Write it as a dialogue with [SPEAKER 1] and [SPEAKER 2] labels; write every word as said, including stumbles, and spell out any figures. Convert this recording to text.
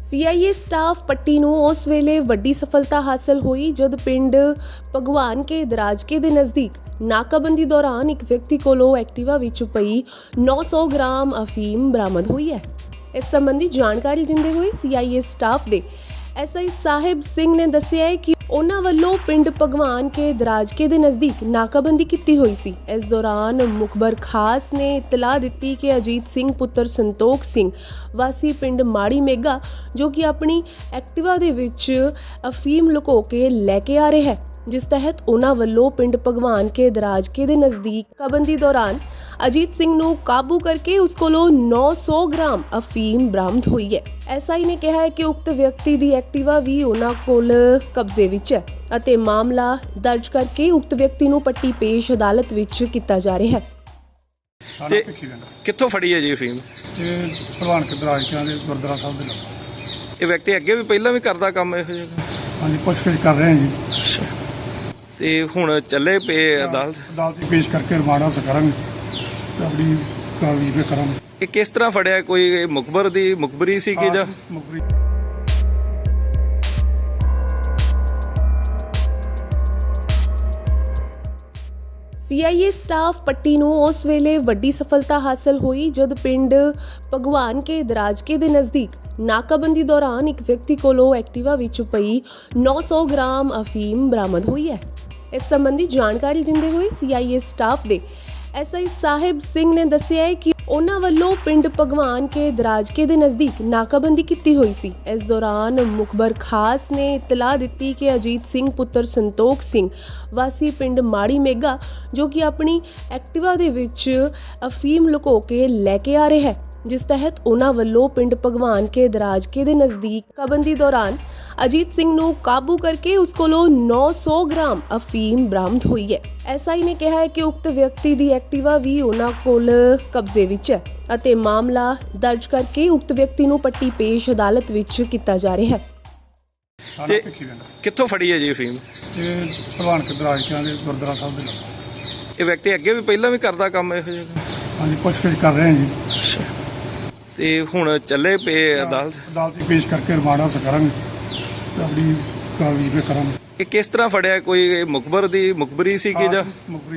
[SPEAKER 1] सी आई ए staff ਪੱਟੀ ਨੂੰ ਉਸ ਵੇਲੇ ਵੱਡੀ ਸਫਲਤਾ ਹਾਸਲ ਹੋਈ ਜਦ ਪਿੰਡ ਭਗਵਾਨ ਕੇ ਦਰਾਜਕੇ ਦੇ ਨਜ਼ਦੀਕ ਨਾਕਾਬੰਦੀ ਦੌਰਾਨ ਇੱਕ ਵਿਅਕਤੀ ਕੋਲੋਂ ਐਕਟਿਵਾ ਵਿੱਚ ਪਈ ਨੌ ਸੌ ਗ੍ਰਾਮ ਅਫੀਮ ਬਰਾਮਦ ਹੋਈ ਹੈ। ਇਸ ਸੰਬੰਧੀ ਜਾਣਕਾਰੀ ਦਿੰਦੇ ਹੋਏ ਸੀ ਆਈ ਏ ਸਟਾਫ ਦੇ ਐਸ ਆਈ ਸਾਹਿਬ ਸਿੰਘ ਨੇ ਦੱਸਿਆ ਹੈ ਕਿ ਉਹਨਾਂ ਵੱਲੋਂ ਪਿੰਡ ਭਗਵਾਨ ਕੇ ਦਰਾਜਕੇ ਦੇ ਨਜ਼ਦੀਕ ਨਾਕਾਬੰਦੀ ਕੀਤੀ ਹੋਈ ਸੀ। ਇਸ ਦੌਰਾਨ ਮੁਖਬਰ ਖਾਸ ਨੇ ਇਤਲਾਹ ਦਿੱਤੀ ਕਿ ਅਜੀਤ ਸਿੰਘ ਪੁੱਤਰ ਸੰਤੋਖ ਸਿੰਘ ਵਾਸੀ ਪਿੰਡ ਮਾੜੀ ਮੇਗਾ ਜੋ ਕਿ ਆਪਣੀ ਐਕਟਿਵਾ ਦੇ ਵਿੱਚ ਅਫੀਮ ਲੁਕੋ ਕੇ ਲੈ ਕੇ ਆ ਰਿਹਾ ਹੈ, ਜਿਸ ਤਹਿਤ ਉਹਨਾਂ ਵੱਲੋਂ ਪਿੰਡ ਭਗਵਾਨ ਕੇ ਦਰਾਜਕੇ ਦੇ ਨਜ਼ਦੀਕ ਨਾਕਾਬੰਦੀ ਦੌਰਾਨ ਅਜੀਤ ਸਿੰਘ ਨੂੰ ਕਾਬੂ ਕਰਕੇ ਉਸ ਕੋਲੋਂ ਨੌ ਸੌ ਗ੍ਰਾਮ ਅਫੀਮ ਬਰਾਮਦ ਹੋਈ ਹੈ। ਐਸ ਆਈ ਨੇ ਕਿਹਾ ਹੈ ਕਿ ਉਕਤ ਵਿਅਕਤੀ ਦੀ ਐਕਟਿਵਾ ਵੀ ਉਹਨਾਂ ਕੋਲ ਕਬਜ਼ੇ ਵਿੱਚ ਹੈ ਅਤੇ ਮਾਮਲਾ ਦਰਜ ਕਰਕੇ ਉਕਤ ਵਿਅਕਤੀ ਨੂੰ ਪੱਟੀ ਪੇਸ਼ ਅਦਾਲਤ ਵਿੱਚ ਕੀਤਾ ਜਾ ਰਿਹਾ ਹੈ।
[SPEAKER 2] ਤੇ ਕਿੱਥੋਂ ਫੜੀ ਹੈ ਜੀ ਅਫੀਮ?
[SPEAKER 3] ਇਹ ਭਲਵਾਨ ਕੇ ਦਰਾਜਕਿਆਂ ਦੇ ਗੁਰਦੁਆਰਾ ਸਾਹਿਬ ਦੇ ਨਾਲ।
[SPEAKER 2] ਇਹ ਵਿਅਕਤੀ ਅੱਗੇ ਵੀ ਪਹਿਲਾਂ ਵੀ ਕਰਦਾ ਕੰਮ ਇਹੋ ਜਿਹਾ?
[SPEAKER 3] ਹਾਂਜੀ, ਪੁੱਛਗਿੱਛ ਕਰ ਰਹੇ ਹਾਂ ਜੀ।
[SPEAKER 2] ਤੇ ਹੁਣ ਚੱਲੇ ਪਏ ਅਦਾਲਤ
[SPEAKER 3] ਅਦਾਲਤ 'ਚ ਪੇਸ਼ ਕਰਕੇ ਰਿਮਾਂਡ ਹਾਸਲ ਕਰਾਂਗੇ ਤੇ ਆਪਣੀ ਕਾਰਵਾਈ ਵੀ ਕਰਾਂਗੇ।
[SPEAKER 2] ਇਹ ਕਿਸ ਤਰ੍ਹਾਂ ਫੜਿਆ? ਕੋਈ ਮੁਖਬਰ ਦੀ ਮੁਖਬਰੀ ਸੀ ਕਿ ਜਾਂ
[SPEAKER 3] ਮੁਖਬਰੀ?
[SPEAKER 1] ਸੀ ਆਈ ਏ ਸਟਾਫ ਪੱਟੀ ਨੂੰ ਉਸ ਵੇਲੇ ਵੱਡੀ ਸਫਲਤਾ ਹਾਸਲ ਹੋਈ ਜਦ ਪਿੰਡ ਭਗਵਾਨ ਕੇ ਦਰਾਜਕੇ ਦੇ ਨਜ਼ਦੀਕ ਨਾਕਾਬੰਦੀ ਦੌਰਾਨ ਇੱਕ ਵਿਅਕਤੀ ਕੋਲੋਂ ਐਕਟਿਵਾ ਵਿੱਚ ਪਈ ਨੌ ਸੌ ਗ੍ਰਾਮ ਅਫੀਮ ਬਰਾਮਦ ਹੋਈ ਹੈ। ਇਸ ਸੰਬੰਧੀ ਜਾਣਕਾਰੀ ਦਿੰਦੇ ਹੋਏ ਸੀ ਆਈ ਏ ਸਟਾਫ ਦੇ ਐਸ ਆਈ ਸਾਹਿਬ ਸਿੰਘ ਨੇ ਦੱਸਿਆ ਹੈ ਕਿ ਉਹਨਾਂ ਵੱਲੋਂ ਪਿੰਡ ਭਗਵਾਨ ਕੇ ਦਰਾਜਕੇ ਦੇ ਨਜ਼ਦੀਕ ਨਾਕਾਬੰਦੀ ਕੀਤੀ ਹੋਈ ਸੀ। ਇਸ ਦੌਰਾਨ ਮੁਖਬਰ ਖਾਸ ਨੇ ਇਤਲਾਹ ਦਿੱਤੀ ਕਿ ਅਜੀਤ ਸਿੰਘ ਪੁੱਤਰ ਸੰਤੋਖ ਸਿੰਘ ਵਾਸੀ ਪਿੰਡ ਮਾੜੀ ਮੇਗਾ ਜੋ ਕਿ ਆਪਣੀ ਐਕਟਿਵਾ ਦੇ ਵਿੱਚ ਅਫੀਮ ਲੁਕੋ ਕੇ ਲੈ ਕੇ ਆ ਰਿਹਾ ਹੈ, ਜਿਸ ਤਹਿਤ ਉਹਨਾਂ ਵੱਲੋਂ ਪਿੰਡ ਭਗਵਾਨ ਕੇ ਦਰਾਜਕੇ ਦੇ ਨਜ਼ਦੀਕ ਨਾਕਾਬੰਦੀ ਦੌਰਾਨ ਅਜੀਤ ਸਿੰਘ ਨੂੰ ਕਾਬੂ ਕਰਕੇ ਉਸ ਕੋਲੋਂ ਨੌ ਸੌ ਗ੍ਰਾਮ ਅਫੀਮ ਬਰਾਮਦ ਹੋਈ ਹੈ। ਐਸ ਆਈ ਨੇ ਕਿਹਾ ਹੈ ਕਿ ਉਕਤ ਵਿਅਕਤੀ ਦੀ ਐਕਟਿਵਾ ਵੀ ਉਹਨਾਂ ਕੋਲ ਕਬਜ਼ੇ ਵਿੱਚ ਹੈ ਅਤੇ ਮਾਮਲਾ ਦਰਜ ਕਰਕੇ ਉਕਤ ਵਿਅਕਤੀ ਨੂੰ ਪੱਟੀ ਪੇਸ਼ ਅਦਾਲਤ ਵਿੱਚ ਕੀਤਾ ਜਾ ਰਿਹਾ ਹੈ।
[SPEAKER 2] ਤੇ ਕਿੱਥੋਂ ਫੜੀ ਹੈ ਜੀ ਅਫੀਮ?
[SPEAKER 3] ਇਹ ਭਲਵਾਨ ਕੇ ਦਰਾਜਕਿਆਂ ਦੇ ਗੁਰਦੁਆਰਾ ਸਾਹਿਬ ਦੇ ਨਾਲ।
[SPEAKER 2] ਇਹ ਵਿਅਕਤੀ ਅੱਗੇ ਵੀ ਪਹਿਲਾਂ ਵੀ ਕਰਦਾ ਕੰਮ ਇਹੋ ਜਿਹਾ?
[SPEAKER 3] ਹਾਂਜੀ, ਪੁੱਛਗਿੱਛ ਕਰ ਰਹੇ ਹਾਂ ਜੀ।
[SPEAKER 2] ਤੇ ਹੁਣ ਚੱਲੇ ਪਏ ਅਦਾਲਤ
[SPEAKER 3] ਅਦਾਲਤ 'ਚ ਪੇਸ਼ ਕਰਕੇ ਰਿਮਾਂਡ ਹਾਸਲ ਕਰਾਂਗੇ ਤੇ ਆਪਣੀ ਕਾਰਵਾਈ ਵੀ ਕਰਾਂਗੇ।
[SPEAKER 2] ਇਹ ਕਿਸ ਤਰ੍ਹਾਂ ਫੜਿਆ? ਕੋਈ ਮੁਖਬਰ ਦੀ ਮੁਖਬਰੀ ਸੀ ਕਿ ਜਾਂ
[SPEAKER 3] ਮੁਖਬਰੀ?